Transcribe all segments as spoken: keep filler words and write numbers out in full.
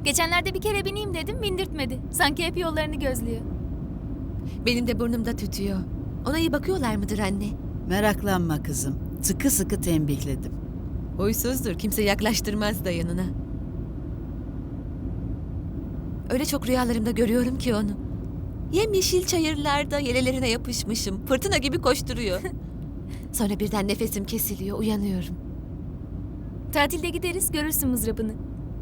Geçenlerde bir kere bineyim dedim, bindirtmedi. Sanki hep yollarını gözlüyor. Benim de burnumda tütüyor. Ona iyi bakıyorlar mıdır anne? Meraklanma kızım. Sıkı sıkı tembihledim. Huysuzdur, kimse yaklaştırmaz da yanına. Öyle çok rüyalarımda görüyorum ki onu. Yemyeşil çayırlarda yelelerine yapışmışım. Fırtına gibi koşturuyor. Sonra birden nefesim kesiliyor, uyanıyorum. Tatilde gideriz, görürsün mızrabını.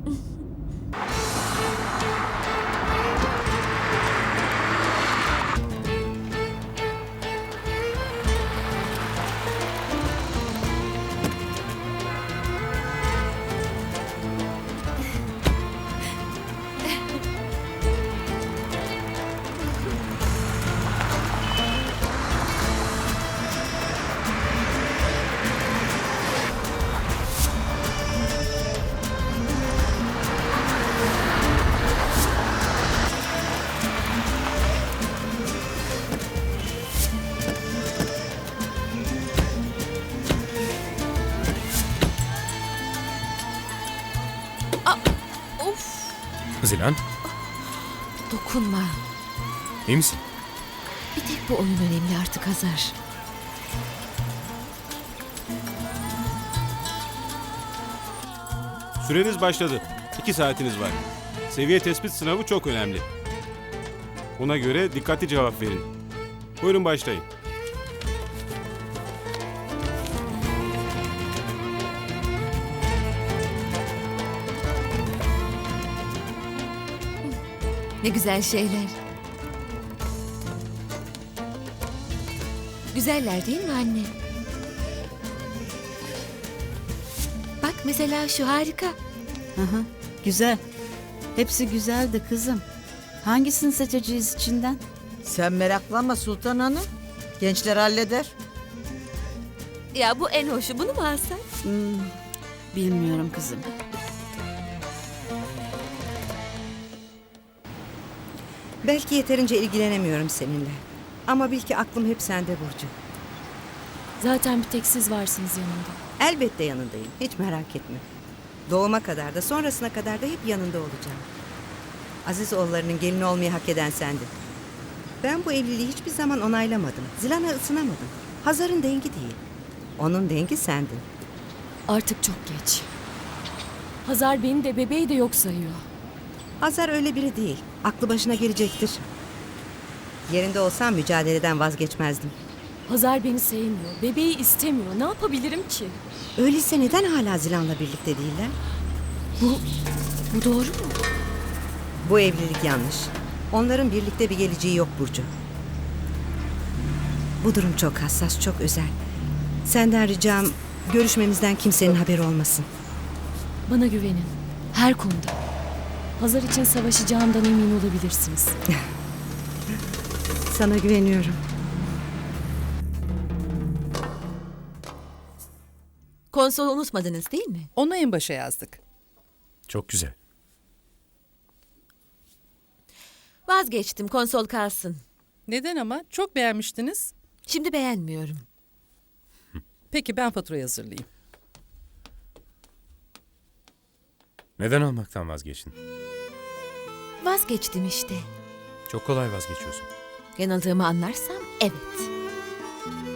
Of! Zilan, Dokunma. iyi misin? Bir tek bu oyun önemli artık Hazar. Süreniz başladı. İki saatiniz var. Seviye tespit sınavı çok önemli. Ona göre dikkatli cevap verin. Buyurun başlayın. Ne güzel şeyler. Güzeller değil mi anne? Bak mesela şu harika. Hı hı, güzel. Hepsi güzeldi kızım. Hangisini seçeceğiz içinden? Sen meraklanma Sultan Hanım. Gençler halleder. Ya bu en hoşu. Bunu mu alsak? Hmm, bilmiyorum kızım. Belki yeterince ilgilenemiyorum seninle. Ama bil ki aklım hep sende Burcu. Zaten bir tek siz varsınız yanımda. Elbette yanındayım. Hiç merak etme. Doğuma kadar da sonrasına kadar da hep yanında olacağım. Aziz oğullarının gelini olmayı hak eden sendin. Ben bu evliliği hiçbir zaman onaylamadım. Zilan'a ısınamadım. Hazar'ın dengi değil. Onun dengi sendin. Artık çok geç. Hazar beni de bebeği de yok sayıyor. Hazar öyle biri değil. Aklı başına gelecektir. Yerinde olsam mücadeleden vazgeçmezdim. Hazar beni sevmiyor, bebeği istemiyor. Ne yapabilirim ki? Öyleyse neden hala Zilan'la birlikte değiller? Bu, bu doğru mu? Bu evlilik yanlış. Onların birlikte bir geleceği yok Burcu. Bu durum çok hassas, çok özel. Senden ricam görüşmemizden kimsenin haberi olmasın. Bana güvenin. Her konuda. Hazar için savaşacağımdan emin olabilirsiniz. Sana güveniyorum. Konsolu unutmadınız değil mi? Onu en başa yazdık. Çok güzel. Vazgeçtim, konsol kalsın. Neden ama? Çok beğenmiştiniz. Şimdi beğenmiyorum. Peki ben faturayı hazırlayayım. Neden almaktan vazgeçtin? Vazgeçtim işte. Çok kolay vazgeçiyorsun. Yanıldığımı anlarsam evet.